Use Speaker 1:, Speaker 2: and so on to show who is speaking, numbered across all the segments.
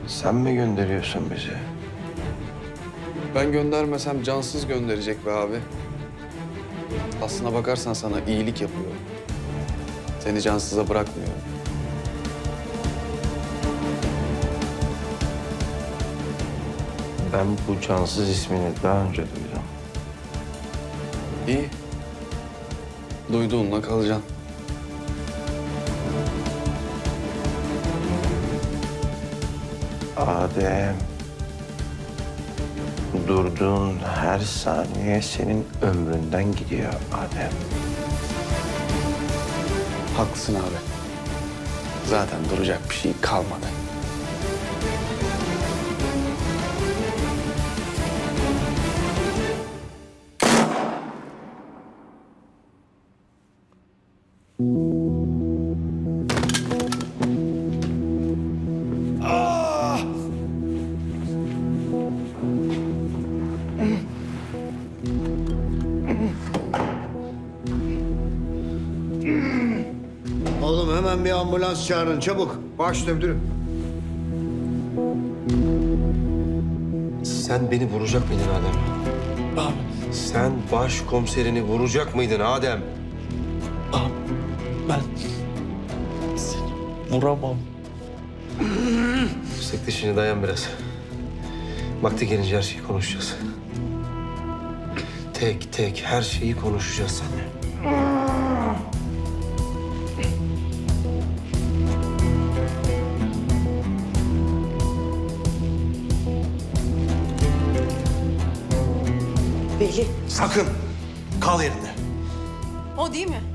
Speaker 1: Sen mi gönderiyorsun bizi?
Speaker 2: Ben göndermesem cansız gönderecek be abi. Aslına bakarsan sana iyilik yapıyor. Seni cansıza bırakmıyor.
Speaker 1: Ben bu cansız ismini daha önce duydum.
Speaker 2: İyi. Duyduğunla kalacaksın.
Speaker 1: Adem. Durduğun her saniye senin ömründen gidiyor Adem.
Speaker 2: Haklısın abi. Zaten duracak bir şey kalmadı.
Speaker 3: Oğlum hemen bir ambulans çağırın çabuk.
Speaker 4: Başüstüne müdürüm.
Speaker 1: Sen beni vuracak mıydın Adem?
Speaker 5: Abi,
Speaker 1: Sen başkomiserini vuracak mıydın Adem?
Speaker 5: abi ben seni vuramam.
Speaker 1: Sık dişini, dayan biraz. Vakti gelince her şeyi konuşacağız. Tek tek her şeyi konuşacağız seninle.
Speaker 6: Veli.
Speaker 4: Sakın. Kal yerinde.
Speaker 6: O değil mi?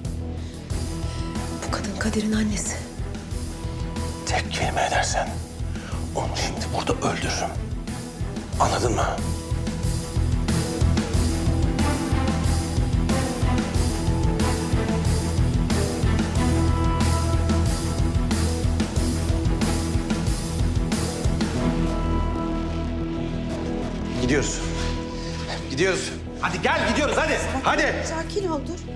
Speaker 6: Bu kadın Kadir'in annesi.
Speaker 4: Tek kelime edersen onu şimdi burada öldürürüm. Anladın mı? Gidiyoruz. Gidiyoruz. Hadi gel gidiyoruz hadi. Hadi.
Speaker 6: Sakin ol dur.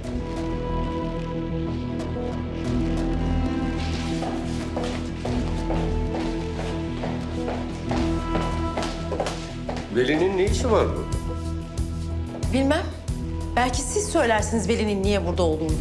Speaker 1: Veli'nin ne işi var burada?
Speaker 6: Bilmem. Belki siz söylersiniz Veli'nin niye burada olduğunu.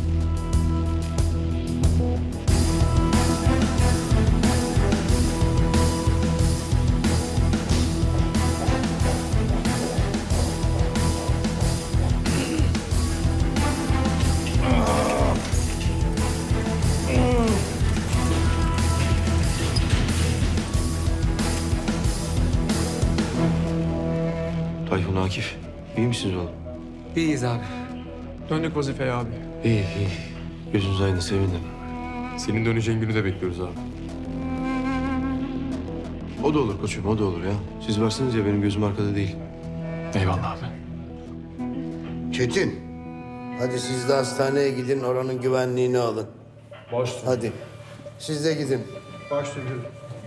Speaker 1: Tayfun, Akif, iyi misiniz oğlum?
Speaker 5: İyiyiz abi. Döndük vazifeye abi.
Speaker 1: İyi, iyi. Gözünüz aydın, sevindim.
Speaker 7: Senin döneceğin günü de bekliyoruz abi.
Speaker 1: O da olur koçum, o da olur ya. Siz varsınız ya, benim gözüm arkada değil.
Speaker 5: Eyvallah abi.
Speaker 3: Çetin. Hadi siz de hastaneye gidin oranın güvenliğini alın.
Speaker 4: Başüstüne.
Speaker 3: Hadi. Siz de gidin.
Speaker 4: Başüstüne müdürüm.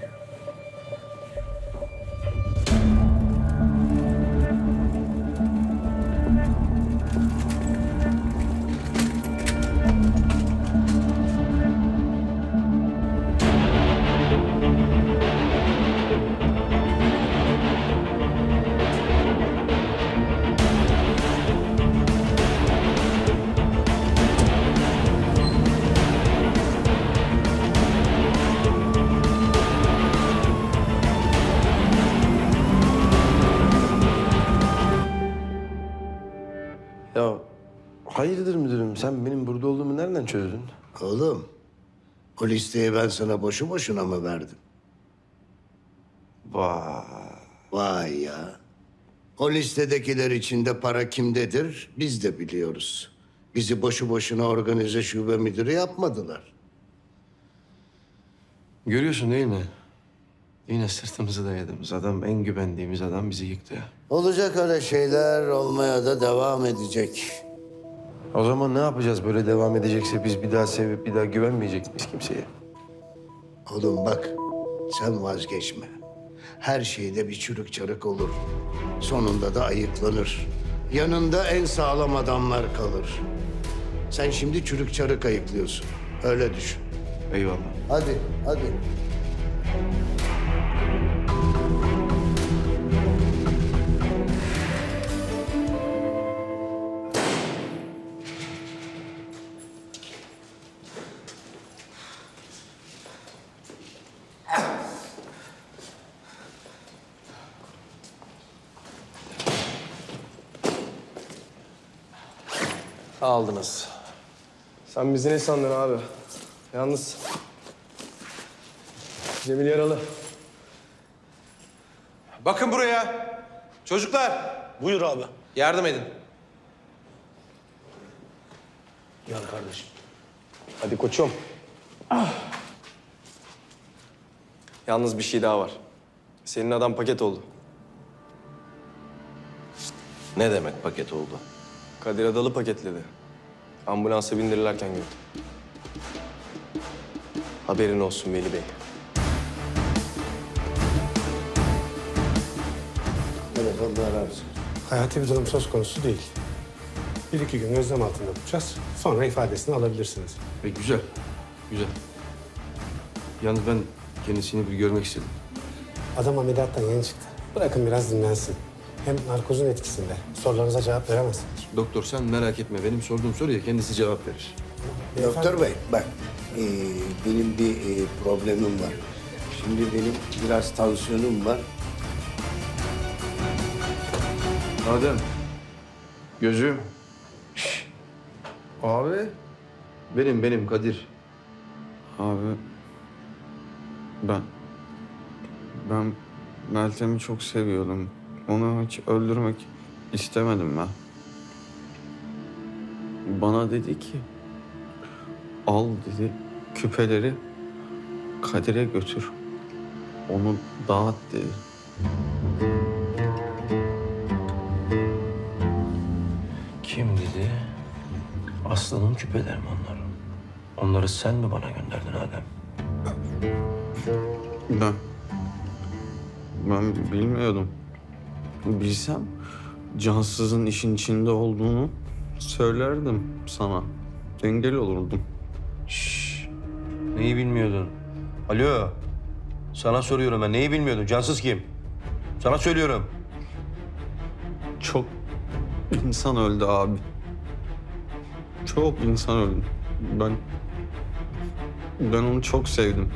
Speaker 1: Ya hayırdır müdürüm, sen benim burada olduğumu nereden çözdün?
Speaker 3: Oğlum. O listeyi ben sana boşu boşuna mı verdim?
Speaker 1: Vay.
Speaker 3: Vay ya. O listedekiler içinde para kimdedir biz de biliyoruz. Bizi boşu boşuna organize şube müdürü yapmadılar.
Speaker 1: Görüyorsun değil mi? Yine sırtımızı dayadığımız adam, en güvendiğimiz adam bizi yıktı ya.
Speaker 3: Olacak öyle şeyler, olmaya da devam edecek.
Speaker 1: O zaman ne yapacağız böyle devam edecekse, biz bir daha sevip bir daha güvenmeyecek miyiz kimseye?
Speaker 3: Oğlum bak, sen vazgeçme. Her şeyde bir çürük çarık olur. Sonunda da ayıklanır. Yanında en sağlam adamlar kalır. Sen şimdi çürük çarık ayıklıyorsun. Öyle düşün.
Speaker 1: Eyvallah.
Speaker 3: Hadi, hadi.
Speaker 4: Aldınız. Sen bizi ne sandın abi? Yalnız Cemil yaralı.
Speaker 8: Bakın buraya. Çocuklar.
Speaker 4: Buyur abi.
Speaker 8: Yardım edin.
Speaker 4: Gel kardeşim. Hadi koçum. Yalnız bir şey daha var. Senin adam paket oldu.
Speaker 8: Ne demek paket oldu?
Speaker 4: Kadir Adalı paketledi. Ambulansa bindirirlerken gördüm. Haberin olsun Veli Bey.
Speaker 3: Evet, Allah razı olsun.
Speaker 9: Hayati bir durum söz konusu değil. 1-2 gün gözlem altında tutacağız. Sonra ifadesini alabilirsiniz.
Speaker 1: Güzel, güzel. Yalnız ben kendisini bir görmek istedim.
Speaker 9: Adam ameliyattan yeni çıktı. Bırakın biraz dinlensin. Hem narkozun etkisinde. Sorularınıza cevap veremez.
Speaker 1: Doktor sen merak etme. Benim sorduğum soruya kendisi cevap verir.
Speaker 3: Doktor bey bak benim bir problemim var. Şimdi benim biraz tansiyonum var.
Speaker 1: Adem. Gözüm. Abi. Benim Kadir.
Speaker 2: Abi ben Meltem'i çok seviyordum. Onu hiç öldürmek istemedim ben. Bana dedi ki al dedi küpeleri Kadir'e götür. Onu dağıt dedi.
Speaker 1: Kim dedi? Aslı'nın küpeleri mi onlar? Onları sen mi bana gönderdin Adem?
Speaker 2: Ben bilmiyordum. Bilsem cansızın işin içinde olduğunu söylerdim sana. Engel olurdum.
Speaker 1: Neyi bilmiyordun? Alo. Sana soruyorum ben. Neyi bilmiyordun? Cansız kim? Sana söylüyorum.
Speaker 2: Çok insan öldü abi. Çok insan öldü. Ben onu çok sevdim.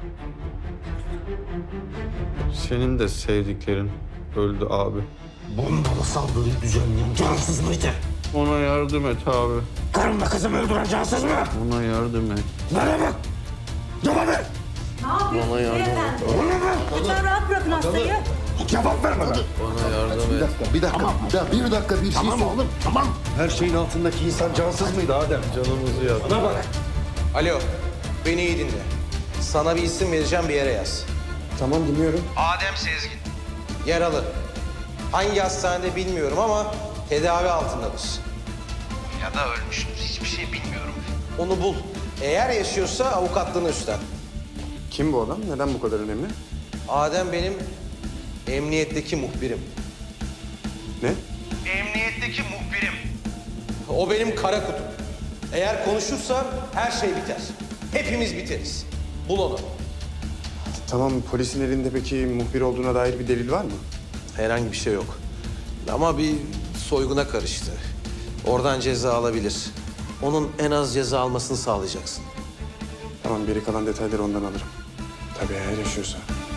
Speaker 2: Senin de sevdiklerin öldü abi.
Speaker 3: Bombalı saldırıyı düzenleyen cansız mıydı?
Speaker 2: Ona yardım et abi.
Speaker 3: Karımla kızımı öldüren cansız mı?
Speaker 2: Ona yardım et.
Speaker 3: Bana bak! Cevap ver!
Speaker 2: Bana yardım et.
Speaker 10: Lütfen rahat bırakın hastayı.
Speaker 3: Cevap ver bana!
Speaker 2: Bana yardım et.
Speaker 3: Bir dakika bir şey oğlum. Tamam. Her şeyin altındaki insan cansız mıydı Adem?
Speaker 2: Canımızı yak.
Speaker 8: Bana bak. Alo. Beni iyi dinle. Sana bir isim vereceğim, bir yere yaz.
Speaker 9: Tamam, dinliyorum.
Speaker 8: Adem Sezgin. Yaralı. Hangi hastanede bilmiyorum ama tedavi altındadır. Ya da ölmüştür. Hiçbir şey bilmiyorum. Onu bul. Eğer yaşıyorsa avukatlığını üstlen.
Speaker 2: Kim bu adam? Neden bu kadar önemli?
Speaker 8: Adem benim emniyetteki muhbirim.
Speaker 2: Ne?
Speaker 8: Emniyetteki muhbirim. O benim kara kutum. Eğer konuşursa her şey biter. Hepimiz biteriz. Bul onu.
Speaker 11: Tamam, polisin elinde peki muhbir olduğuna dair bir delil var mı?
Speaker 8: Herhangi bir şey yok. Ama bir soyguna karıştı. Oradan ceza alabilir. Onun en az ceza almasını sağlayacaksın.
Speaker 11: Tamam, geri kalan detayları ondan alırım. Tabii eğer yaşıyorsa.